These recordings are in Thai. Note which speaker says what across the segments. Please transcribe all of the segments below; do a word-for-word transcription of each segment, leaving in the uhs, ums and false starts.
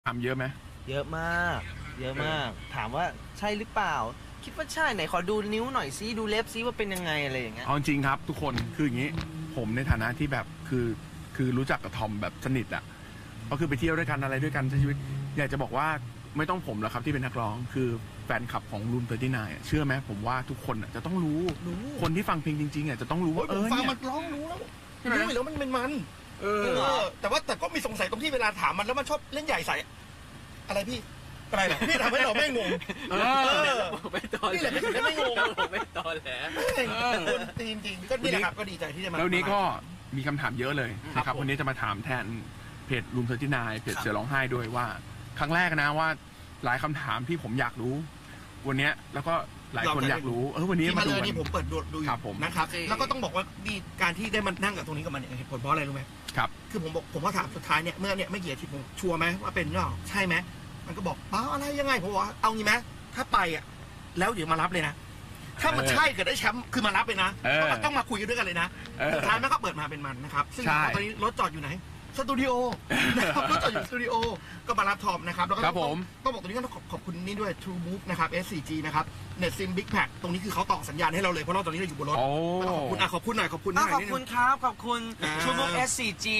Speaker 1: ถามเยอะไหม
Speaker 2: เยอะมากเยอะมากถามว่าใช่หรือเปล่าคิดว่าใช่ไหนขอดูนิ้วหน่อยซิดูเล็บซิว่าเป็นยังไงอะไรอย่างเงี้ย
Speaker 1: เอาจริงครับทุกคนคืออย่างนี้ผมในฐานะที่แบบคือคือรู้จักกับทอมแบบสนิทอ่ะก็คือไปเที่ยวด้วยกันอะไรด้วยกันใช้ชีวิตอยากจะบอกว่าไม่ต้องผมหรอกครับที่เป็นนักร้องคือแฟนคลับของรูมเตอร์ตี้ไนน์เชื่อไหมผมว่าทุกคนจะต้องรู้คนที่ฟังเพลงจริงๆอ่ะจะต้องรู้ว่าเออ
Speaker 3: ฟัง
Speaker 1: เนี่ย
Speaker 3: มันร้องรู้แล้วรู้อยู่แล้วมันเป็นมัน
Speaker 1: เออ
Speaker 3: เออ แต่ว่าแต่ก็มีสงสัยตรงที่เวลาถามมันแล้วมันชอบเล่นใหญ่ใส่อะไรพี่อะไรเหรอพี่ทำให้เราไม่งง
Speaker 1: เออ
Speaker 2: ไม่ตอน
Speaker 3: นี่แหละพี่ถึงได้ไม่งง
Speaker 2: ไม่ตอนแหละ
Speaker 3: คนจริงจริงก็นี่แหละครับก็ดีใจที่จะมา
Speaker 1: แล้วนี้ก็มีคำถามเยอะเลยนะครับวันนี้จะมาถามแทนเพจรูมเตอร์ตี้ไนน์เพจเสือร้องไห้ด้วยว่าครั้งแรกนะว่าหลายคำถามที่ผมอยากรู้วันนี้แล้วก็หลายคนอยากรู้เออวันนี้มาดู
Speaker 3: นี่ผมเปิดดูดูอยู่นะครับแล้วก็ต้องบอกว่าดีการที่ได้มานั่งกับตรงนี้กับมันเหตุผลเพราะอะไรรู้ไหม
Speaker 1: ครับ
Speaker 3: คือผมบอกผมก็ถามสุดท้ายเนี่ยเมื่อเนี่ยไม่กี่อาทิตย์ผมชัวร์ไหมว่าเป็นหรือเปล่าใช่ไหมมันก็บอกเปล่าอะไรยังไงผมบอกเอางี้ไหมถ้าไปอ่ะแล้วเดี๋ยวมารับเลยนะถ้ามันใช่เกิดได้แชมป์คือมารับเลยนะต้องมาคุยกันด้วยกันเลยนะสุดท้ายมันก็เปิดมาเป็นมันนะครับซึ่งตอนนี้รถจอดอยู่ไหนสตูดิโอนะครับรถจอดอยู่สตูดิโอก็มารับทอมนะครับแล้วก็ต้องบอกตรงนี้ก็ขอบคุณนี่ด้วย True Move นะครับ เอส โฟร์ จี นะครับ Net Sim Big Pack ตรงนี้คือเขาต่อสัญญาณให้เราเลยเพราะเราตอนนี้เราอยู่บนรถขอบคุณอ่ะขอบคุณหน่อยขอบคุณหน่อย
Speaker 2: ขอบคุณครับขอบคุณ True Move เอส โฟร์ จี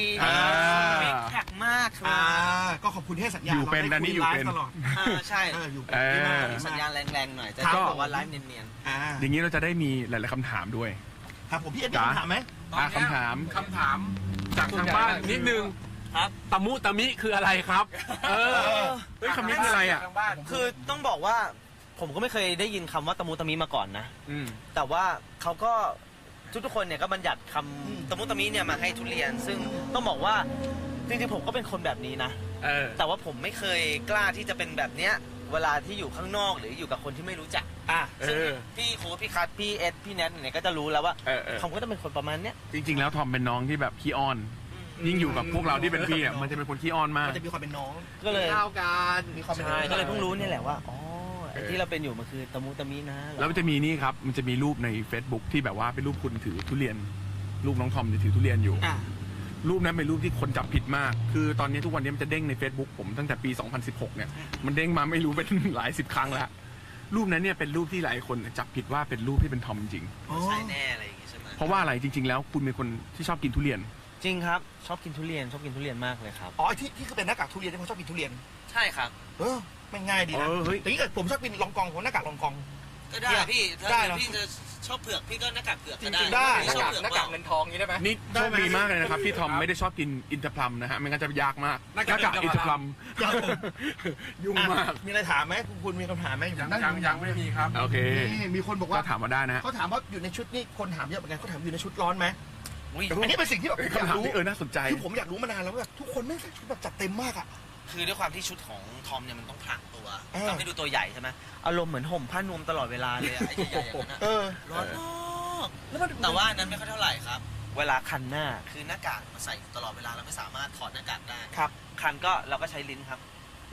Speaker 2: Big Pack มากครับ
Speaker 3: ก็ขอบคุณที่ให้สัญญาณ
Speaker 1: อยู่เป็นอันนี้อยู่เป็น
Speaker 3: ตลอด
Speaker 2: ใช่
Speaker 3: อยู่
Speaker 2: สัญญาณแรงๆหน่อยจะบอกว่าไลฟ์เนียน
Speaker 1: ๆอย่างนี้เราจะได้มีหลายๆคำถามด้วย
Speaker 3: ครับผมพี่เอ็ดมีคำถามไหม
Speaker 1: คำถาม
Speaker 4: คำถามจากทางบ้านนิดนึง
Speaker 2: ครับ
Speaker 4: ตะมุตะมิคืออะไรครับเออ
Speaker 1: เฮ้ยคำนี้คืออะไรอ่ะ
Speaker 2: คือต้องบอกว่าผมก็ไม่เคยได้ยินคำว่าตะมุตะมิมาก่อนนะแต่ว่าเขาก็ทุกๆคนเนี่ยก็บัญญัติคำตะมุตะมิเนี่ยมาให้ทุเรียนซึ่งต้องบอกว่าจริงๆผมก็เป็นคนแบบนี้นะแต่ว่าผมไม่เคยกล้าที่จะเป็นแบบเนี้ยเวลาที่อยู่ข้างนอกหรืออยู่กับคนที่ไม่รู้จัก
Speaker 3: อ่ะ
Speaker 2: ซึ่งพี่โค้ชพี่คัทพี่เอสพี่แนทเนี่ยก็จะรู้แล้วว่าเขาก็จะเป็นคนประมาณเนี้ย
Speaker 1: จริงๆแล้วทอมเป็นน้องที่แบบขี้อ้อนยิ่งอยู่กับพวกเราที่เป็นพี่อ่ะมันจะเป็นคนขี้อ้อนมาก
Speaker 3: มันจะมีความเป็นน้อง
Speaker 2: ก็เลย
Speaker 3: เท่ากันมีความเป็นน้อง
Speaker 2: ก็เลยเพิ่งรู้นี่แหละว่าอ๋อที่เราเป็นอยู่มันคือตะมุตะมินะ
Speaker 1: แล้วมันจะมีนี่ครับมันจะมีรูปใน Facebook ที่แบบว่าเป็นรูปคุณถือทุเรียนรูปน้องทอมถือทุเรียนอยู่รูปนั้นเป็นรูปที่คนจับผิดมากคือตอนนี้ทุกวันนี้มันจะเด้งใน Facebook ผมตั้งแต่ปีสองพันสิบหกเนี่ยมันเด้งมาไม่รู้เป็นหลายสิบครั้งแล้วรูปนั้นเนี่ยเป็นรูปที่หลายคนจับผิดว่าเป็นรูปที่เป็นทอมจริง
Speaker 2: ใช่แน่อะไรอย่างงี้ใช่ไหม
Speaker 1: เพราะว่าอะไรจริงๆแล้วคุณเป็นคนที่ชอบกินทุเรียน
Speaker 2: จริงครับชอบกินทุเรียนชอบกินทุเรียนมากเลยครับ
Speaker 3: อ๋อที่ที่คือเป็นหน้ากากทุเรียนที่เขาชอบกินทุเรียน
Speaker 2: ใช่ครับ
Speaker 3: เออไม่ง่ายดีนะแต่นี่เกิดผมชอบกินลองกองผมหน้ากากลองกอง
Speaker 2: ก็ได้พี่ถ้าพี่จะชอบเผือกพี่ก็หน้ากากเผือกก็ได้
Speaker 3: ได้
Speaker 2: หน้ากาก
Speaker 3: หน้ากากเงินทองนี้ได้ไหม
Speaker 1: นี่โชคดีมากเลยนะครับที่ทอมไม่ได้ชอบกินอินทผลัมนะฮะไม่งั้นจะยากมากหน้ากากอินทผลัมยุ่งมาก
Speaker 3: มีอะไรถามไหมคุณมีคำถามไหม
Speaker 4: ยังยังยังไม่มีครับ
Speaker 1: โอเค
Speaker 3: มีคนบอกว่า
Speaker 1: ถามมาได้นะ
Speaker 3: เขาถามว่าอยู่ในชุดนี่คนถามเยอะเหมือนกันเขาถามอยู่ในชุดร้อนไหมอันนี้เป็นสิ่งที่แบบอยากรู้
Speaker 1: เออน่าสนใจ
Speaker 3: คือผมอยากรู้มานานแล้วว่าทุกคนไม่ใส่ชุดแบบจัดเต็มมากอ่ะ
Speaker 2: คือด้วยความที่ชุดของทอมเนี่ยมันต้องพรางตัวต้องให้ดูตัวใหญ่ใช่ไหมอารมณ์เหมือนห่มผ้านวมตลอดเวลาเลยไอ้ใหญ่ๆอย่างนั้นร้อนมากแต่ว่านั้นไม่ค่อยเท่าไหร่ครับเวลาคันหน้าคือหน้ากากมาใส่ตลอดเวลาเราไม่สามารถถอดหน้ากากได้
Speaker 3: ครับ
Speaker 2: คันก็เราก็ใช้ลิ้นครับ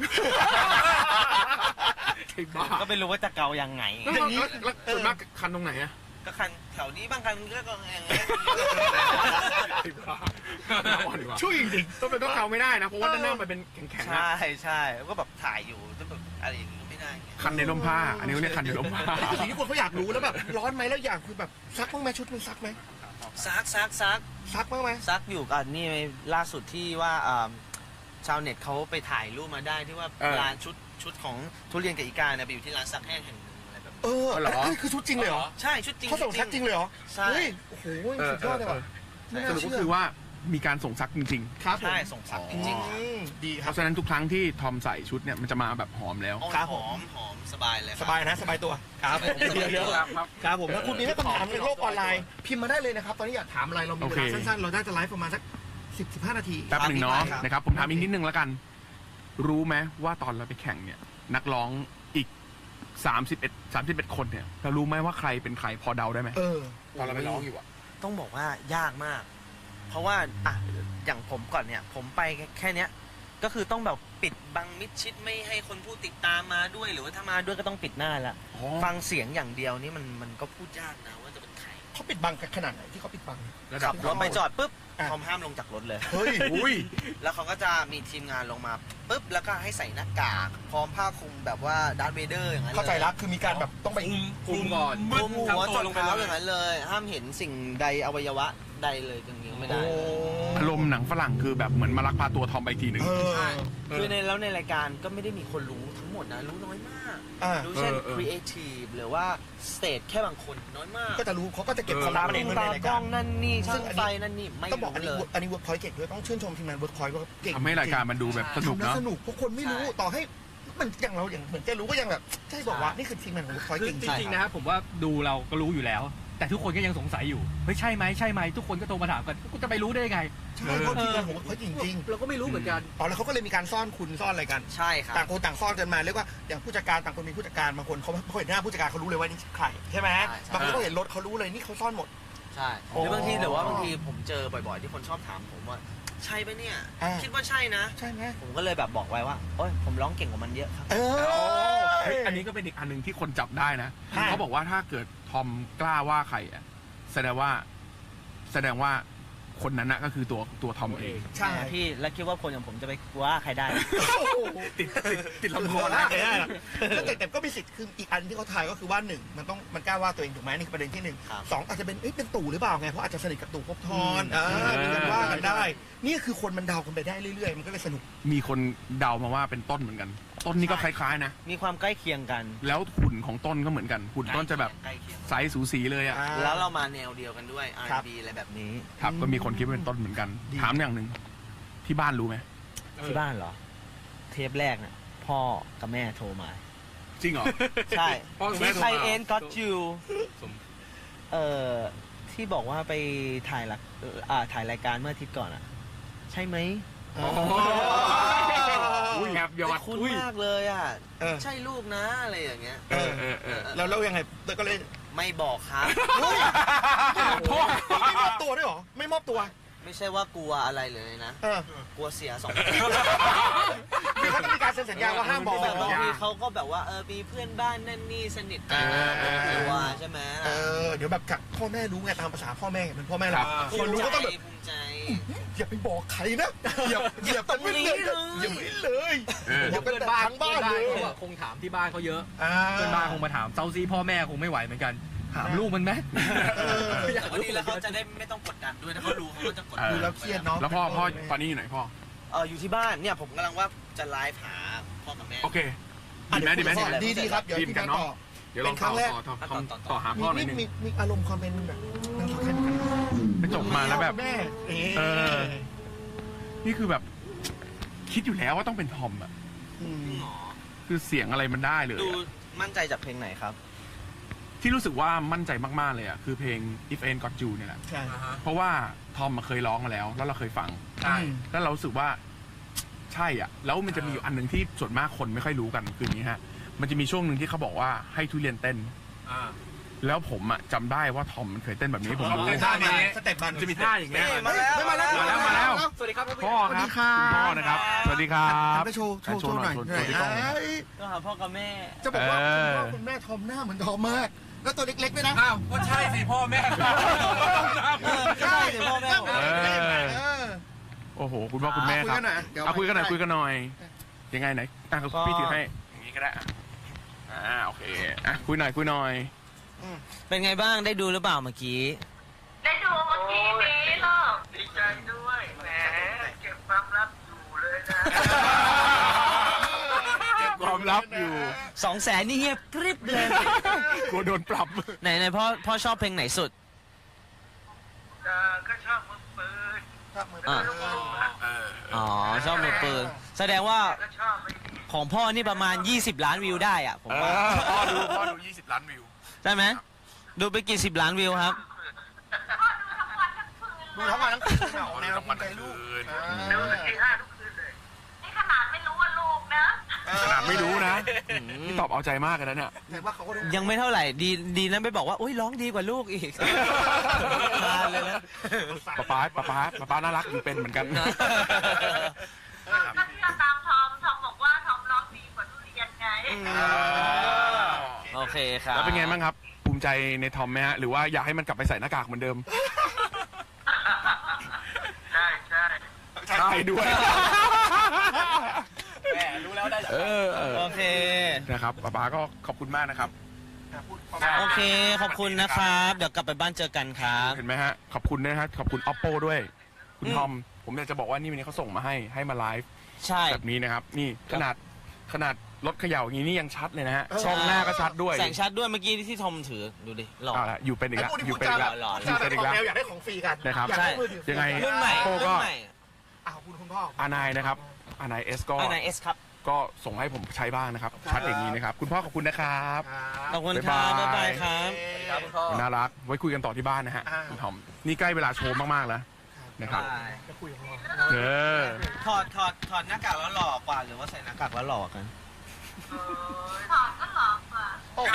Speaker 2: ก็ไม่รู้ว่าจะเกายังไง
Speaker 1: อย่างนี้ส่วนมากคันตรงไหนอะ
Speaker 2: ก็คันแถวนี้บางคันก็ก็อย่างเงี้ย
Speaker 1: ช่วยจริงต้องเป็นต้องเกาไม่ได้นะเพราะว่าด้านหน้ามันเป็นแข็งๆ
Speaker 2: ใช่ใช่ก็แบบถ่ายอยู่ต้องแบบอะไรอย่างงี้ไม่ได้
Speaker 1: คันในร่มผ้าอันนี้เขาเรียกคันในร่มผ้า
Speaker 3: อันนี้คือสิ่งที่คนเขาอยากรู้แล้วแบบร้อนไหมแล้วอยากคือแบบซักบ้างไหมชุดมันซักไหม
Speaker 2: ซักซักซัก
Speaker 3: ซักบ้างไหม
Speaker 2: ซักอยู่กันนี่ล่าสุดที่ว่าชาวเน็ตเขาไปถ่ายรูปมาได้ที่ว่าร้านชุดชุดของทุเรียนกับอีกาเนี่ยไปอยู่ที่ร้านซักแห้งแห่ง
Speaker 3: เออเหรอคือชุดจริงเลยเหรอ
Speaker 2: ใช่ชุดจริง
Speaker 3: เขาส่งซักจริงเลยเหรอ
Speaker 2: ใช่
Speaker 3: โอ้โหสุดยอดเลยว่ะ
Speaker 1: สรุปก็คือว่ามีการส่งซักจริง
Speaker 3: ๆครับ
Speaker 2: ใช่ส่งซักจริง
Speaker 3: ๆดีครับ
Speaker 1: เพราะฉะนั้นทุกครั้งที่ทอมใส่ชุดเนี่ยมันจะมาแบบหอมแล้ว
Speaker 2: ครับหอมหอมสบายเลย
Speaker 3: สบายนะสบายตัวครับเยอะๆครับผมถ้าคุณมีคำถามในโลกออนไลน์พิมพ์มาได้เลยนะครับตอนนี้อยากถามอะไรเรามีเวลาสั้นๆเราได้จะไลฟ์ประมาณสักสิบสิบห้านาที
Speaker 1: แป๊บหนึ่งเนาะนะครับผมถามอีกนิดนึงแล้วกันรู้ไหมว่าตอนเราไปแข่งเนี่ยนักร้องอีกสามสิบเอ็ด สามสิบเอ็ดคนเนี่ยเรารู้ไหมว่าใครเป็นใครพอเดาได้ไหม
Speaker 3: เออ
Speaker 1: ตอนเราไปร้องอยู่อะ
Speaker 2: ต้องบอกว่ายากมากเพราะว่าอ่ะอย่างผมก่อนเนี่ยผมไปแค่เนี้ยก็คือต้องแบบปิดบังมิดชิดไม่ให้คนผู้ติดตามมาด้วยหรือว่าถ้ามาด้วยก็ต้องปิดหน้าละฟังเสียงอย่างเดียวนี่มันมันก็พูดยากนะว่าจะเป็นใคร
Speaker 3: เขาปิดบังกันขนาดไหนที่เขาปิดบัง
Speaker 2: ขับรถไปจอดปุ๊บ
Speaker 3: อ่ะ
Speaker 2: ทอมห้ามลงจากรถเลย
Speaker 3: เฮ้ย
Speaker 1: อุ้ย
Speaker 2: แล้วเขาก็จะมีทีมงานลงมาปุ๊บแล้วก็ให้ใส่หน้ากากพร้อมผ้าคลุมแบบว่าดาร์ธเวเดอร์อย่างนั้นลย
Speaker 3: เข้าใจละคือมีการแบบต้องไป
Speaker 4: คุมคุมก่อน
Speaker 2: คลุมหัว
Speaker 4: ทั้ง
Speaker 2: จ
Speaker 4: ตั
Speaker 2: น
Speaker 4: ลงไป
Speaker 2: เท้า
Speaker 4: เล
Speaker 2: อย ย่างนั้นเลย ห้ามเห็นสิ่งใดอวัยวะใดเลยจริงๆไม่ได้
Speaker 3: โอ้
Speaker 1: อารมณ์หนังฝรั่งคือแบบเหมือนมาลักพาตัวทอมไปอีกทีหนึ่ง
Speaker 3: เออ
Speaker 4: ใช่
Speaker 2: คือในแล้วในรายการก็ไม่ได้มีคนรู้ทั้งหมดนะรู้น้อยมาก
Speaker 3: อ่า
Speaker 2: รู้เช่น
Speaker 1: เออเออ
Speaker 2: ครีเอทีฟหรือว่าสเตทแค่บางคนน้อยมาก
Speaker 3: ก็จะรู้เขาก็จะเก็บความ
Speaker 2: ตา
Speaker 3: ลับ
Speaker 2: ม
Speaker 3: เองไว้
Speaker 2: ตา
Speaker 3: ในราย
Speaker 2: กล้
Speaker 3: กา
Speaker 2: อ
Speaker 3: รง
Speaker 2: นั่นนี่
Speaker 3: ซึ่
Speaker 2: ช่าง ง
Speaker 3: อัน
Speaker 2: ไฟ
Speaker 3: นี้
Speaker 2: นั่นนี่ไม่
Speaker 3: ต้องบอกอัน
Speaker 2: รู้
Speaker 3: นี้
Speaker 2: เลย
Speaker 3: อันนี้เวิร์กพอยต์เก่งด้วยต้องชื่นชมทีมงานเวิร์กพอยต์ว่าเก่ง
Speaker 1: ทำให้รายการมันดูแบบสนุก
Speaker 3: ทำแล้ว
Speaker 1: เนาะ
Speaker 3: สนุกเพราะคนไม่รู้
Speaker 2: ใช่
Speaker 3: ต่อให้มันอย่างเราอย่างเหมือนจะรู้ก็ยังแบบใช่บอกว่านี่คือทีมงานของเวิร์กพอยต์
Speaker 5: คือ
Speaker 3: เก่ง
Speaker 5: จ
Speaker 3: จริง
Speaker 5: ริงๆนะครับผมว่าดูเราก็รู้อยู่แล้ว แต่ทุกคนก็ยังสงสัยอยู่เฮ้ยใช่ไหมใช่ไหมทุกคนก็โทรมาถามกันกูจะไปรู้ได้ยังไง
Speaker 3: ใช่เพราะทีมงานของเวิร์กพอยต์จริง
Speaker 5: เราก็ไม่รู้เหมือนกัน
Speaker 3: ๆอ๋อแล้วเขาก็เลยมีการซ่อนคุณซ่อนอะไรกัน
Speaker 2: ใช่ครับ
Speaker 3: ต่างคนต่างซ่อนกันมาเรียกว่าอย่างผู้จัดการต่างคนมีผู้จัดการบางคนเขาเขาเห็นหน้าผู้จัดการเขารู้เลยว่านี่ใครใช่ไหม
Speaker 2: ใช่ใช่
Speaker 3: บางคนก็เห็นรถเขารู้เลยนี่เขาซ่อนหมด
Speaker 2: ใช่หรือบางทีหรือว่าบางทีผมเจอบ่อยๆ ที่คนชอบถามผมว่าใช่ปะเนี่ย
Speaker 3: อ่า
Speaker 2: คิดว่าใช่นะ
Speaker 3: ใช่ไหม
Speaker 2: ผมก็เลยแบบบอกไว้ว่าโอ้ยผมร้องเก่งกว่ามันเยอะครับ
Speaker 3: เออ
Speaker 1: เฮ้ยอันนี้ก็เป็นอีกอันหนึ่งที่คนจับได้นะ
Speaker 3: ใช่
Speaker 1: เขาบอกว่าถ้าเกิดทอมกล้าว่าใครอ่ะแสดงว่า แสดงว่าคนนั้นนะก็คือตัวตัวทอมเอง
Speaker 3: ใช่
Speaker 2: พี่แล้วคิดว่าคนอย่างผมจะไปว่าใครได้
Speaker 1: ติดติดติดลำคอ
Speaker 3: นะ
Speaker 1: นะ
Speaker 3: แต่แต่ก็มีสิทธิ์คืออีกอันที่เขาทายก็คือว่าหนึ่งมันต้องมันกล้าว่าตัวเองถูกไหมนี่คือประเด็นที่หนึ่ง
Speaker 2: ครับ
Speaker 3: สองอาจจะเป็นเอ้ยเป็นตู่หรือเปล่าไงเพราะอาจจะสนิทกับตู่ภพบทร
Speaker 1: อืม
Speaker 3: อ่ามีการว่ากันได้
Speaker 1: ใช่
Speaker 3: นี่คือคนมันเดากันไปได้เรื่อยๆ มันก็เลยสนุก
Speaker 1: มีคนเดามาว่าเป็นต้นเหมือนกัน ต้นนี่ก็คล้ายๆนะ
Speaker 2: มีความใกล้เคียงกัน
Speaker 1: แล้วหุ่นของต้นก็เหมือนกันหุ่นต้นจะแบบ
Speaker 2: ใกล้เคียง
Speaker 1: ไซส์สูสีเลยอ่ะ
Speaker 3: อ่า
Speaker 2: แล้วเรามาแนวเดียวกันด้วย อาร์
Speaker 3: ครับ
Speaker 2: บี อะไรแบบนี้
Speaker 1: ครับก็มีคนคิดว่าเป็นต้นเหมือนกัน
Speaker 3: ดี
Speaker 1: ถามอย่างหนึ่งที่บ้านรู้ไหม
Speaker 2: ที่บ้านเหรอ เทปแรกน่ะพ่อกับแม่โทรมา
Speaker 1: จริงเหรอ
Speaker 2: ใช่
Speaker 4: พ่อกับแม่
Speaker 2: ที่
Speaker 4: โทร
Speaker 2: ไท
Speaker 4: มา
Speaker 2: ยเอ็นก็จู
Speaker 4: สม
Speaker 2: เอ่อที่บอกว่าไปถ่ายละอ่าถ่ายรายการเมื่ออาทิตย์ก่อนอ่ะ ใช่ไหม
Speaker 1: อุ้ยแอบยอด
Speaker 2: คุ้น
Speaker 1: อุ้ย
Speaker 2: มากเลยอ่ะ
Speaker 3: เออ
Speaker 2: ใช่ลูกนะอะไรอย่างเงี้ย
Speaker 3: เออ
Speaker 1: เออเออ
Speaker 3: แล้วแล้วยังไงก็เลย
Speaker 2: ไม่บอกครับ
Speaker 3: พ่อไม่มอบตัวด้วยเหรอไม่มอบตัว
Speaker 2: ไม่ใช่ว่ากลัวอะไรเลยนะ
Speaker 3: เออก
Speaker 2: ลัวเสียสอง
Speaker 3: คือเขาต้องมีการเซ็นสัญญาว่าห้ามบอก
Speaker 2: แบบบางทีเขาก็แบบว่าเออมีเพื่อนบ้านนั่นนี่สนิทกันกลัวใช่ไหม
Speaker 3: เออเดี๋ยวแบบกับพ่อแม่รู้ไงตามภาษาพ่อแม่เป็นพ่อแม่เราคนรู้ก็ต้องแบบ
Speaker 2: ภูมิใจ
Speaker 3: อย่าไปบอกใครนะอย่าอย่าไปเลยอย่าไปเลยอย่าไป
Speaker 5: เพื่อน
Speaker 3: แต่
Speaker 5: บ้าน
Speaker 3: ทั้งบ้านเลย
Speaker 5: เขาอะคงถามที่บ้านเขาเยอะ
Speaker 3: อ่า
Speaker 5: เพื่อนบ้านคงมาถามเซาซีพ่อแม่คงไม่ไหวเหมือนกันถามลูกมันไหม
Speaker 3: เออ
Speaker 2: แต่ก็ดีแล้วเขาจะได้ไม่ต้องกดดันด้วยถ้าเขารู้เขาก็จะกด
Speaker 1: เอ
Speaker 2: ดั
Speaker 3: ดู
Speaker 1: อ
Speaker 3: แล้วเครียดเนาะ
Speaker 1: แล้วพ่อพ่อตอนนี้อยู่ไหนพ่อ
Speaker 2: เอออยู่ที่บ้านเนี่ยผมกำลังว่าจะไลฟ์หาพ่อกับแม่
Speaker 1: โอเคดีไหมดีไหม
Speaker 3: ดีดีครับเดี๋ยว
Speaker 1: ดีเหมื
Speaker 3: พี่
Speaker 1: อนกั
Speaker 3: มาน
Speaker 1: เนาะ
Speaker 3: ต่อ
Speaker 1: เดี๋ยวลองต่อต่อต่อต่อต่อหาพ่อหน่อยหนึง
Speaker 3: มีมีอารมณ์ความเป็นแบบนางสาวไทยเหมือนกัน
Speaker 1: ไปจบมาแล้วแบบ
Speaker 3: แม่
Speaker 1: เออ นี่คือแบบ คิดอยู่แล้วว่าต้องเป็นทอมอ่ะ
Speaker 3: ม
Speaker 1: คือเสียงอะไรมันได้เลย
Speaker 2: ดู
Speaker 1: อะ
Speaker 2: มั่นใจจากเพลงไหนครับ
Speaker 1: ที่รู้สึกว่ามั่นใจมากๆเลยอ่ะคือเพลง If Ain't Got You เนี่ยแหละ
Speaker 3: ใช่
Speaker 4: อ่าฮะ
Speaker 1: เพราะว่าทอมมาเคยร้องมาแล้ว แล้วเราเคยฟัง
Speaker 4: ใช่
Speaker 1: แล้วเรารู้สึกว่า ใช่อ่ะ แล้วมันจะมีอยู่อันหนึ่งที่ส่วนมากคนไม่ค่อยรู้กันคืออย่างนี้ฮะ มันจะมีช่วงหนึ่งที่เขาบอกว่าให้ทุเรียนเต้น
Speaker 4: อ่า
Speaker 1: แล้วผมอ่ะจำได้ว่าทอมมันเคยเต้นแบบนี้ผมรู้
Speaker 4: เต้นท่านี้
Speaker 3: สเต็ปมัน
Speaker 1: จะมีท่าอย่างเงี้ย
Speaker 2: เฮ้ยมาแล้ว
Speaker 3: มาแล้ว
Speaker 1: มาแล้วมาแล้ว
Speaker 5: สวัสดีครับ
Speaker 1: พ่อครับคุณพ่อนะครับ สวัสดีครับ
Speaker 3: ไปโชว์โชว์โชว์หน่อย
Speaker 1: โชว์หน่อยโชว์ที่กล้อง
Speaker 3: เอ้ย
Speaker 2: ก็หาพ่อกับแม่
Speaker 3: จะบอกว่า
Speaker 1: เอ
Speaker 3: คุณ
Speaker 1: อ
Speaker 3: พ่อคุณแม่ทอมหน้าเหมือนทอมมาก แล้วตัวเล็กๆด้วยนะ
Speaker 4: อ้าวก็ใช่สิพ่อแม่
Speaker 2: ใช่สิพ่อแม่ผม
Speaker 3: เออเออ
Speaker 1: โอ้โห คุณพ่อคุณแม่ครับ
Speaker 3: คุยกันหน่อยเดี๋ยว
Speaker 1: เอาคุยกันหน่อย
Speaker 3: ไป
Speaker 1: คุยกันหน่อย ยังไงไหนอ่ะพี่ถือให้อย่างนี้ก็ได้อ่ะอ่าโอเคอ่ะคุยหน่อยคุยหน่อย
Speaker 2: เป็นไงบ้างได้ดูหรือเปล่าเมื่อกี้
Speaker 6: ได้ดูเมื่อกี้นี้หรอกดีใจด้วยแหมเก็บความลับอยู่เลยนะ
Speaker 1: เก็บความลับอยู่
Speaker 2: สองแสนนี่เงียบกริบเลย
Speaker 1: กลัวโดนปรับ
Speaker 2: ไหนไหนพ่อพ่อชอบเพลงไหนสุด
Speaker 6: เอ่อก็ชอบมือปืน
Speaker 3: ชอบมือ
Speaker 2: อ่ะ
Speaker 3: ปืน
Speaker 1: เออ
Speaker 2: อ๋อชอบมือปืนแสดงว่า
Speaker 6: ก็ชอบไป
Speaker 2: ของพ่อนี่ประมาณยี่สิบล้านวิวได้อะผม
Speaker 1: เอ
Speaker 2: ว่า
Speaker 1: อพ่อดูพ่อดูยี่สิบล้านวิว
Speaker 2: ใช่ไหมดูไปกี่สิบล้านวิวครับ
Speaker 3: ดูทั้งวันทั้งคืนเอาแนวภูมิใจลูก
Speaker 6: ดูสักทีห้าทุกคืนเลยนี่ขนาดไม่รู้ว่าลูกนะ
Speaker 1: ขนาดไม่รู้นะนี่ตอบเอาใจมากเลยนะเนี่ย
Speaker 3: แต่ว่าเขาก็รู้
Speaker 2: ยังไม่เท่าไหร่ดีดีนั้นไปบอกว่าโอ้ยร้องดีกว่าลูกอีกนานเลยนะ
Speaker 1: ป๊าป๊าป๊าป๊าป๊าป๊าน่ารักอยู่เป็นเหมือนกัน
Speaker 6: ก็เชื่อตามทอมทอมบอกว่าทอมร้องดีกว่าทุเรียนไง
Speaker 2: โอเคครับ
Speaker 1: แล้วเป็นไงบ้างครับภูมิใจในทอมไหมฮะหรือว่าอยากให้มันกลับไปใส่หน้ากากเหมือนเดิม
Speaker 6: ใช่ใช่
Speaker 1: ใช่ด้วย
Speaker 5: แหมรู้แล้วได้
Speaker 1: เออเออ
Speaker 2: โอเค
Speaker 1: นะครับป๊าป๊าก็ขอบคุณมากนะครับ
Speaker 2: โอเค ขอบคุณนะครับ เดี๋ยวกลับไปบ้านเจอกันครับ
Speaker 1: เห็นไหมฮะขอบคุณนะฮะขอบคุณ oppo ด้วย คุณทอมผมอยากจะบอกว่านี่วันนี้เขาส่งมาให้ให้มาไลฟ์
Speaker 2: ใช่
Speaker 1: แบบนี้นะครับ นี่ขนาดขนาดรถเขย่าอย่างนี้นี่ยังชัดเลยนะฮะ
Speaker 3: เออ
Speaker 1: ช่องหน้าก็ชัดด้วย
Speaker 2: แสงชัดด้วยเมื่อกี้ที่ทอมถือ ดูดิ หล่อ
Speaker 1: เอาละอยู่เป็นอีก
Speaker 3: ไอ้
Speaker 1: แล้ว
Speaker 3: พวกที่
Speaker 1: อยู่
Speaker 3: พูด
Speaker 1: เป็น
Speaker 3: จา
Speaker 1: อีกแล้ว
Speaker 2: หล่อ
Speaker 3: พูดจาแบบของแนวอยากได้ของฟรีกัน
Speaker 1: นะครับ
Speaker 3: อยากได้มือถือ
Speaker 1: ยังไง
Speaker 2: รุ่นใหม่
Speaker 1: โอ้
Speaker 2: รุ่
Speaker 1: ก็
Speaker 2: นใหม่
Speaker 3: อ่ะขอบคุณคุณพ่อ
Speaker 1: อานายนะครับอานายเอสก็
Speaker 2: อันไหนเอสครับ
Speaker 1: ก็ส่งให้ผมใช้บ้างนะครับ
Speaker 3: ครับ
Speaker 1: ชัดอย่างนี้นะครับ คุณพ่อขอบคุณนะครับ
Speaker 2: ขอบคุณครับ
Speaker 1: บ๊า
Speaker 2: บ๊ายย
Speaker 1: บา
Speaker 2: บาย ยครับ
Speaker 5: ครับคุณพ่อ
Speaker 1: น่ารักไว้คุยกันต่อที่บ้านนะฮะ
Speaker 3: อ่า
Speaker 1: คุณทอมนี่ใกล้เวลาโชว์มากๆแล้วนะครับ
Speaker 3: จะคุยกับพ่อ
Speaker 1: เออ
Speaker 2: ถอดถอดถอดหน้ากากแล้วหล่อกว่า หรือว่าใส่หน้ากากแล้วหล่อกัน
Speaker 6: ถอดก็หลอกอ่ะ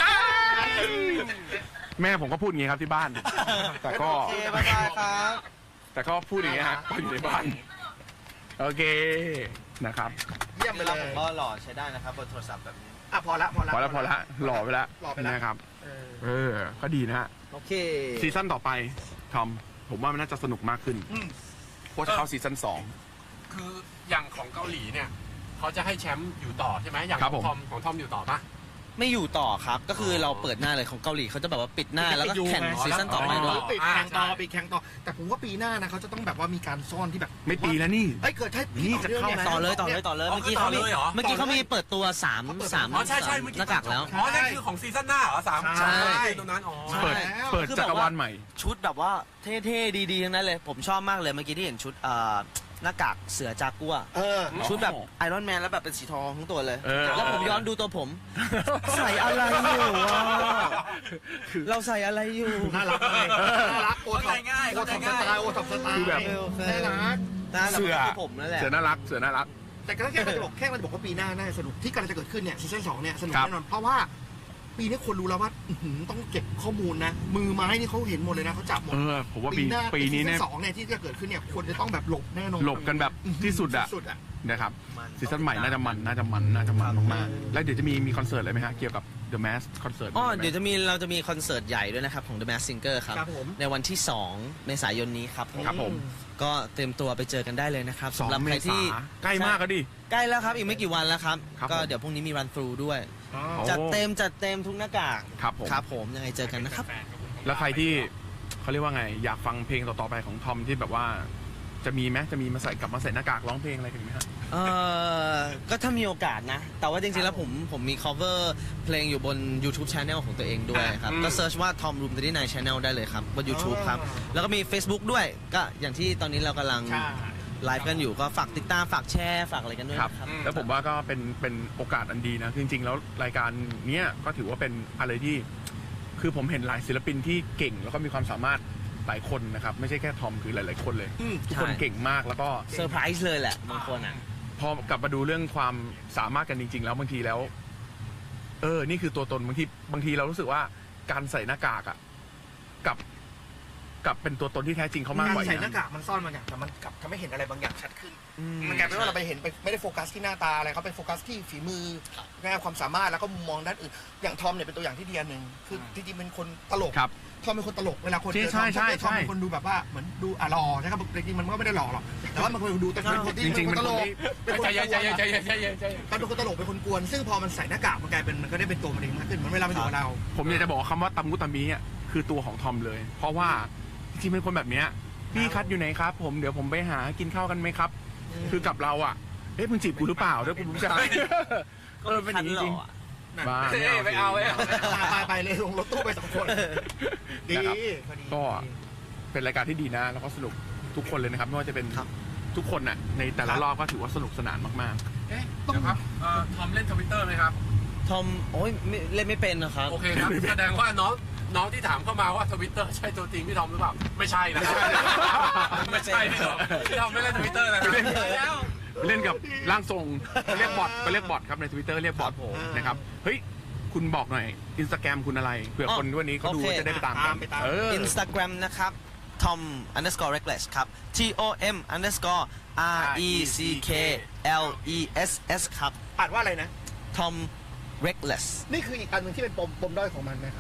Speaker 1: แม่ผมก็พูดอย่างนี้ครับที่บ้าน แต่ก็
Speaker 2: โอเคบ๊ายบายครับ
Speaker 1: แต่ก็พูดอย่างนี้ฮะก็อยู่ในบ้าน โอเคนะครับ
Speaker 3: เยี่ยมไปเล
Speaker 2: เรา
Speaker 3: ย
Speaker 2: ผมก็หล่อใช้ได้นะครับบนโทรศัพท์แบบนี้
Speaker 3: อ่ะพอละพอละ
Speaker 1: พอแล้วพอแล้วหล่อไปแล้ว
Speaker 3: หล่อไปแล้ว
Speaker 1: นะครับ
Speaker 3: เออ
Speaker 1: เออ ก็ดีนะฮะ
Speaker 2: โอเค
Speaker 1: ซีซั่นต่อไปทอมผมว่ามันน่าจะสนุกมากขึ้น
Speaker 3: อืม
Speaker 1: เพราะจะเข้าซีซั่นสอง
Speaker 4: คืออย่างของเกาหลีเนี่ยเขาจะให้แชมป์อยู่ต่อใช่ไหมอย่าง
Speaker 1: ครับ
Speaker 4: ข
Speaker 1: ผ
Speaker 4: อง
Speaker 1: ม
Speaker 4: ทอมของทอมอยู่ต่อปะ
Speaker 2: ไม่อยู่ต่อครับ ก็คือเราเปิดหน้าเลยของเกาหลีเขาจะแบบว่าปิดหน้าแล้วก็แข่งซีซั่นต่อไป
Speaker 3: อ๋
Speaker 2: ด้
Speaker 3: อ
Speaker 2: วย
Speaker 3: ปิดแข่งต่อปิดแข่งต่อ แต่ผมว่าปีหน้านะเขาจะต้องแบบว่ามีการซ่อนที่แบบ
Speaker 1: ไม่ปีแล้วนี่
Speaker 3: เอ้ยเกิดใช่ปี
Speaker 1: นี่จะเข้า
Speaker 3: นื่ง
Speaker 2: ต่อเลยต่อเลยต่อเลย
Speaker 4: อ๋อ
Speaker 2: เมื่อกี้
Speaker 4: คือต่
Speaker 2: เขา
Speaker 4: อ
Speaker 2: มี
Speaker 4: เลยเหรอ
Speaker 2: เมื่อกี้เขามีเปิดตัวสาม
Speaker 3: เขาเปิด
Speaker 2: สาม
Speaker 4: อ๋อใช่ใช่เมื่อกี้
Speaker 2: หน้ากากแล้ว
Speaker 4: อ๋อนั่นคือของซีซั่นหน้าเหรอสาม
Speaker 3: ใช่
Speaker 4: สามตรงนั้นอ๋อ
Speaker 1: เปิด
Speaker 3: แล้ว
Speaker 1: เปิด
Speaker 2: คือ
Speaker 1: จั
Speaker 2: แบบ
Speaker 1: กร
Speaker 2: ว่า
Speaker 1: วาลใหม่
Speaker 2: ชุดแบบว่าเท่ๆดีๆทั้งนั้นเลย ผมชอบมากเลยเมื่อกี้ที่เห็นชุดเอ่อหน้ากากเสือจากัว
Speaker 3: เออ
Speaker 2: ชุดแบบไอรอนแมนแล้วแบบเป็นสีทองทั้งตัวเลย
Speaker 1: เออ
Speaker 2: แล้วผมย้อนดูตัวผม ใส่อะไรอยู่วะเราใส่อะไรอยู่
Speaker 3: น่ารักเลยน่ารักโอท็อป
Speaker 4: เข้าใจง่าย
Speaker 3: โอท็อปส
Speaker 4: เข้าใจง่าย
Speaker 3: ไตล์โอท็อปสไตล์
Speaker 1: คือแบบ
Speaker 3: น่ารัก
Speaker 2: น่ารัก
Speaker 1: เสือ
Speaker 2: คือผมนั่นแหละ
Speaker 1: เสือน่ารักเสือน่ารัก
Speaker 3: แต่ก็แค่มันจะบอกแค่มันจะบอกว่าปีหน้าน่าจะสนุกที่กำลังจะเกิดขึ้นเนี่ยซีซั่นสองเนี่ยสนุก
Speaker 1: ครับ
Speaker 3: แน่นอนเพราะว่าปีนี้คนรู้แล้วว่าอื้อหือต้องเก็บข้อมูลนะ มือไม้นี่เขาเห็นหมดเลยนะเขาจับหมด
Speaker 1: เออผมว่าปี
Speaker 3: หน้า
Speaker 1: ปีนี้เนี่ย
Speaker 3: ซีซั่สองเนี่ยที่จะเกิดขึ้นเนี่ยคนจะต้องแบบหลบแน่นอน
Speaker 1: หลบกันแบบที่สุดอะ
Speaker 3: สุดอะ
Speaker 1: นะครับซีซั่นใหม่น่าจะมันน่าจะมันน่าจะมันมากๆแล้วเดี๋ยวจะมีมีคอนเสิร์ตอะไรไหมฮะเกี่ยวกับ The Mask คอนเสิร์ต
Speaker 2: อ๋อเดี๋ยวจะมีเราจะมีคอนเสิร์ตใหญ่ด้วยนะครับของ The Masked Singer ครับ
Speaker 3: ครับผม
Speaker 2: ในวันที่สองเมษายนนี้ครับ
Speaker 1: ครับผม
Speaker 2: ก็เตรียมตัวไปเจอกันได้เลยนะครับ
Speaker 1: สอง
Speaker 2: สำหรับ
Speaker 1: เม
Speaker 2: ใคร
Speaker 1: ษา
Speaker 2: ที่
Speaker 1: ใกล้มากก็ดิ
Speaker 2: ใกล้แล้วครับ อีกไม่กี่วันแล้วครับ
Speaker 1: ครับ
Speaker 2: ก็
Speaker 1: ผม
Speaker 2: เดี๋ยวพรุ่งนี้มีรันทรูด้วย
Speaker 3: อ๋อ
Speaker 1: โอ้
Speaker 2: จัดเต็มจัดเต็มทุกหน้ากาก
Speaker 1: ครับผม
Speaker 2: ครับผมยังไงเจอกันนะครับ
Speaker 1: แล้วใครที่เขาเรียกว่าไง อยากฟังเพลงต่อๆไปของทอมที่แบบว่า จะมีไหมจะมีมาใส่กลับมาใส่หน้ากากร้องเพลงอะไรกันไหมฮะ
Speaker 2: เอ่อก็ถ้ามีโอกาสนะ แต่ว่าจริงๆแล้วผมผมมี cover เพลงอยู่บน YouTube Channel ของตัวเองด้วยครับ
Speaker 1: อืม
Speaker 2: ก็เซิร์ชว่า Tom Room สามสิบเก้า Channel ได้เลยครับบน YouTube ครับ แล้วก็มี Facebook ด้วยก็อย่างที่ตอนนี้เรากำลัง
Speaker 3: ใช่
Speaker 2: ไลฟ์กันอยู่ก็ฝากติดตามฝากแชร์ฝากอะไรกันด้วย
Speaker 1: ครับ
Speaker 2: นะครับ
Speaker 1: แล้วผมว่าก็เป็นเป็นโอกาสอันดีนะ จริงๆ แล้วรายการเนี้ยก็ถือว่าเป็นอะไรที่ คือผมเห็นหลายศิลปินที่เก่งแล้วก็มีความสามารถหลายคนนะครับ ไม่ใช่แค่ทอมคือหลายๆคนเลย
Speaker 3: อืม
Speaker 1: ทุกคน
Speaker 2: ใช่
Speaker 1: เก่งมากแล้วก็
Speaker 2: เซอร์ไพรส์เลยแหละบางคนอ่ะ
Speaker 1: พอกลับมาดูเรื่องความสามารถกันจริง ๆ แล้วบางทีแล้ว เออ นี่คือตัวตนบางทีบางทีเรารู้สึกว่าการใส่หน้ากากอะกับ กับเป็นตัวตนที่แท้จริงเขามากกว่า
Speaker 3: ใส่
Speaker 1: อีก
Speaker 3: หน้า
Speaker 1: นะ
Speaker 3: กากมันซ่อนบางอย่างแต่มันกลับทำให้เห็นอะไรบางอย่างชัดขึ้น
Speaker 2: อืม
Speaker 3: มันกลายเป็นว่าเราไปเห็นไปไม่ได้โฟกัสที่หน้าตาอะไรเขาไปโฟกัสที่ฝีมือแง่ความสามารถแล้วก็มุมมองด้านอื่นอย่างทอมเนี่ยเป็นตัวอย่างที่ดีอันหนึ่งคือจริงๆเป็นคนตลก
Speaker 1: ครับ
Speaker 3: ทอมเป็นคนตลกเวลาคนเจอท
Speaker 1: ใช่
Speaker 3: อม
Speaker 1: ใช่
Speaker 3: ทอม
Speaker 1: ใช่
Speaker 3: เป็นคนดูแบบว่าเหมือนดูอ่ะหล่อนะครับจริงๆมันก็ไม่ได้หล่อหรอกแต่ว่ามันคนดูแต่เป็นคนที่
Speaker 1: จริงๆ
Speaker 3: เป็นคนตลก
Speaker 1: เป็
Speaker 3: เป็น น
Speaker 1: ค
Speaker 3: คน น
Speaker 4: ใจเย็นใจเย็นใจเย็นใจเย็นใจเย็น
Speaker 3: เขาเป็นคนตลกเป็นคนกวนซึ่งพอมันใส่หน้ากากมันกลายเป็นมันก็ได้เป็นตัวมันเองมากขึ้นเหมือนเวลามันอยู่กับเรา
Speaker 1: ผมอยากจะบอกว่าคำว่าตามุตามิอ่ะคือตัวของทอมเลย เพราะว่าจริงๆเป็นคนแบบเนี้ยพี่คัดอยู่ไหนครับ ผมเดี๋ยวผมไปหากินข้าวกันไหมครับ คือกับเราอ่ะเอ๊ะมึงจีบกูหรือเปล่าด้วยกูรู้จักเออเป็นอย่างนี้จริงบ้า
Speaker 4: เอ้ยไม่เอาไม่เอา
Speaker 3: ไปไปเลยลงรถตู้ไปสองคนดี
Speaker 1: นะครับ
Speaker 3: พอดี
Speaker 1: ก็เป็นรายการที่ดีนะ แล้วก็สนุกทุกคนเลยนะครับไม่ว่าจะเป็นทุกคนน่ะในแต่ละรอบก็ถือว่าสนุกสนานมาก
Speaker 4: เอ๊ะเดี๋ยวครับเอ่อทอมเล่นทวิตเตอร์ไหมครับ
Speaker 2: ทอมโอ้ยไม่เล่นไม่เป็นนะครับ
Speaker 4: โอเคครับ แสดงว่าน้องน้องที่ถามเข้ามาว่าทวิตเตอร์ใช่ตัวจริงพี่ทอมหรือเปล่า ไม่ใช่นะครับไม่ใช่พี่ทอมพี่ทอมไม่เล่นทวิตเตอร์นะครับแล้ว
Speaker 1: ๆ เล่นกับร่างทรงเรียกบอทไปเรียกบอทครับในทวิตเตอร์เรียกบอท
Speaker 2: ครับผม
Speaker 1: นะครับเฮ้ยคุณบอกหน่อยอินสตาแกรมคุณอะไรเผื่อคนวันนี้เขาดู
Speaker 2: โอเค
Speaker 1: จะได้ไปตามกันเออ
Speaker 2: Instagram นะครับ Tom underscore reckless ครับ T O M underscore R E C K L E S S ครับ
Speaker 3: อ่านว่าอะไรนะ
Speaker 2: Tom reckless
Speaker 3: นี่คืออีกอันหนึ่งที่เป็นปมปมด้อยของมันนะครับ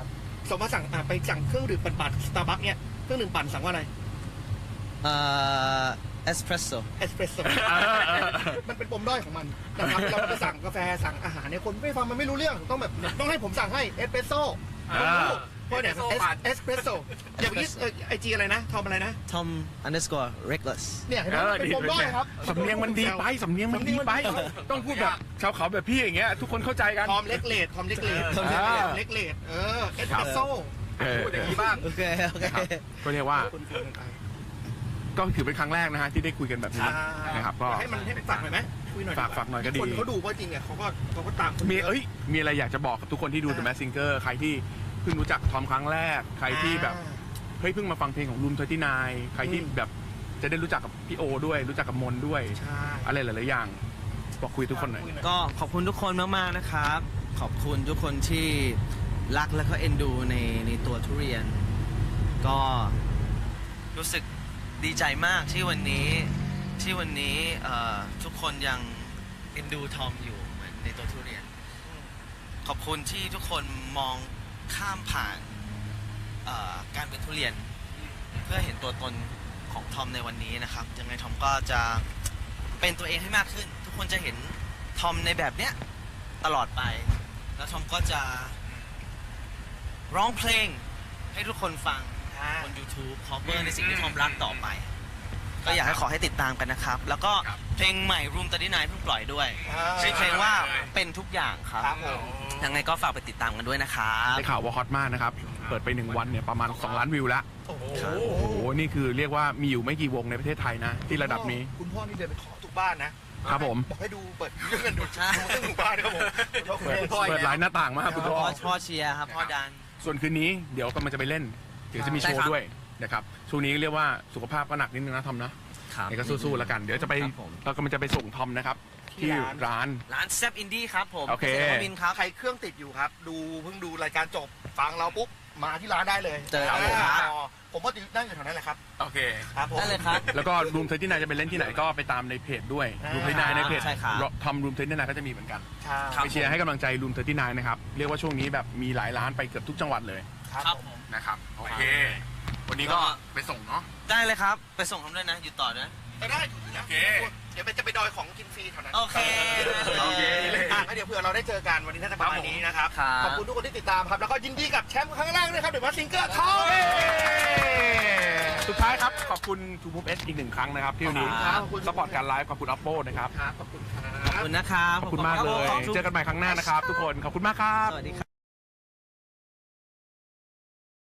Speaker 3: สมมติสั่งอ่ะไปสั่งเครื่องดื่มปั่นๆสตาร์บัคเนี่ยเครื่องดื่มปั่นสั่งว่าอะไร
Speaker 2: เอ่อเอสเพรสโซ่
Speaker 3: เอสเปรสโซ่มันเป็นปมด้อยของมันนะครับเราไปสั่งกาแฟสั่งอาหารเนี่ยคนไม่ฟังมันไม่รู้เรื่องต้องแบบต้องให้ผมสั่งให้เอสเปรสโซ่เพราะเนี่ยเอสเปรสโซ่อย่างนี้ไอจีอะไรนะทอมอะไรนะ
Speaker 2: ทอม underscore reckless
Speaker 3: เนี่ยเห็นไหมมันเป็นปมด้อยครับ
Speaker 1: สำเนียงมันดีไปสำเนียงมันดีไป ต้องพูดแบบชาวเขาแบบพี่อย่างเงี้ยทุกคนเข้าใจกัน
Speaker 3: ทอมเล็กเลดทอมเล็กเลด
Speaker 1: ทอมเล็กเลด
Speaker 3: เล็กเลดเออเอสเปรสโซ่
Speaker 1: เออ
Speaker 4: พูดอย่างนี้บ้าง
Speaker 2: โอเคโอเค
Speaker 1: ก็เรียกว่า
Speaker 3: คนคุยกันไป
Speaker 1: ก็ถือเป็นครั้งแรกนะฮะที่ได้คุยกันแบบนี้นะครับก็
Speaker 3: ให้มันให้ฝากหน่อยไหมคุยหน่อย
Speaker 1: ฝากฝากหน่อยก็ดี
Speaker 3: คนเขาดูว่าจริงเนี่ยเขาก็เขาก็ตาม
Speaker 1: มีเอ้ยมีอะไรอยากจะบอกกับทุกคนที่ดู The Masked Singer ใครที่เพิ่งรู้จักทอมครั้งแรกใครที่แบบเฮ้ยเพิ่งมาฟังเพลงของรูมทเวตี้ไนน์ใครที่แบบจะได้รู้จักกับพี่โอด้วยรู้จักกับมนด้วย
Speaker 3: ใช่
Speaker 1: อะไรหลายๆอย่างบอกคุยทุกคนหน่อย
Speaker 2: ก็ขอบคุณทุกคนมากๆนะครับ ขอบคุณทุกคนที่รักและก็เอ็นดูในในตัวทุเรียน ก็รู้สึกดีใจมากที่วันนี้ที่วันนี้เอ่อทุกคนยังเอ็นดูทอมอยู่เหมือนในตัวทุเรียน ขอบคุณที่ทุกคนมองข้ามผ่านเอ่อการเป็นทุเรียน เพื่อเห็นตัวตนของทอมในวันนี้นะครับยังไงทอมก็จะเป็นตัวเองให้มากขึ้น ทุกคนจะเห็นทอมในแบบเนี้ยตลอดไป แล้วทอมก็จะร้องเพลงให้ทุกคนฟังบน YouTube cover ในสิ่งที่ทอมรักต่อไป ก็อยากให้ขอให้ติดตามกันนะครับ แล้วก็เพลงใหม่ Room สามสิบเก้าเพิ่งปล่อยด้วยชื่อเพลงว่าเป็นทุกอย่างครับ
Speaker 3: ครับผม
Speaker 2: ยังไงก็ฝากไปติดตามกันด้วยนะครับ
Speaker 1: ได้ข่าวว่าฮอตมากนะครับ เปิดไปหนึ่งวันเนี่ยประมาณสองล้านวิวแล้ว
Speaker 3: โอ้โห
Speaker 1: โอ้โห นี่คือเรียกว่ามีอยู่ไม่กี่วงในประเทศไทยนะ ที่ระดับนี้
Speaker 3: คุณพ่อนี่เดินไปขอทุกบ้านนะครับ
Speaker 1: ผม
Speaker 3: บอกให้ดูเปิดเรื่องกันดูเรื่องหมู่บ้านครับผม
Speaker 1: เปิดเปิดหลายหน้าต่างมากคุณพ่อ
Speaker 2: พ่อพ่อเชียร์ครับพ่อดัน
Speaker 1: ส่วนคืนนี้เดี๋ยวกำลังจะไปเล่น เดี๋ยวจะมีโชว์ด้วยนะครับ ช่วงนี้เรียกว่าสุขภาพก็หนักนิดนึงนะทอมนะ
Speaker 2: ครับ
Speaker 1: นี่ก็สู้ๆแล้วกัน เดี๋ยวจะไป
Speaker 2: ครับผม
Speaker 1: เรากำลังจะไปส่งทอมนะครับ ที่ร้าน
Speaker 2: ร้านแซบอินดี้ครับผม
Speaker 1: โอเค
Speaker 2: กษตรนวมินทร์ครับ
Speaker 3: ใครเครื่องติดอยู่ครับ ดูเพิ่งดูรายการจบฟังเราปุ๊บมาที่ร้านได้เลย
Speaker 2: เจอครับผมครับ
Speaker 3: อ๋อผมว่านั่งอยู่แถวนั้นแหละครับ
Speaker 1: โอเค
Speaker 3: ครับผม
Speaker 2: ได้เลยครับ
Speaker 1: แล้วก็รูมเทอร์ที่นายจะไปเล่นที่ไหนก็ไปตามในเพจด้วย
Speaker 3: อ่า
Speaker 1: รูมเทอร์ที่นายในเพจ
Speaker 2: ใช่ครับ
Speaker 1: ทำรูมเทอร์ที่นายก็จะมีเหมือนกัน
Speaker 3: ใช่
Speaker 2: ครับ
Speaker 1: ไปเชียร์ให้กำลังใจรูมเทอร์ที่นายนะครับ เรียกว่าช่วงนี้แบบมีหลายร้านไปเกือบทุกจังหวัดเลย
Speaker 2: ครับผม
Speaker 1: นะครับ โอเค วันนี้ก็ไปส่งเนาะ
Speaker 2: ได้เลยครับ ไปส่งทำด้วยนะ อยู่ต่อนะ
Speaker 3: ไปได้ถูกแล้ว
Speaker 1: โอเค
Speaker 3: เดี๋ยวไปจะไปดอยของกินฟรีแถวนั้น
Speaker 2: โอเค
Speaker 3: โอเคอ่ะงั้นเดี๋ยวเผื่อเราได้เจอกันวันนี้น่าจะประมาณนี้นะครับ
Speaker 2: ครับ
Speaker 3: ขอบคุณทุกคนที่ติดตามครับ แล้วก็ยินดีกับแชมป์ครั้งแรกด้วยครับเดี๋ยวมาซิงเกิลทอง
Speaker 1: สุดท้ายครับ ขอบคุณทูมูฟเอสอีกหนึ่งครั้งนะครับที่วันนี้
Speaker 3: ครับ
Speaker 1: สปอร์ตการไลฟ์ขอบคุณอัปโปนะครับ
Speaker 3: ครับขอบคุณครั
Speaker 2: ขอบบ คุณนะครับ
Speaker 1: ขอบคุณมากเลย เจอกันใหม่ครั้งหน้านะครับ ทุกคน ขอบคุณมากครับ
Speaker 2: สวัสดีครับ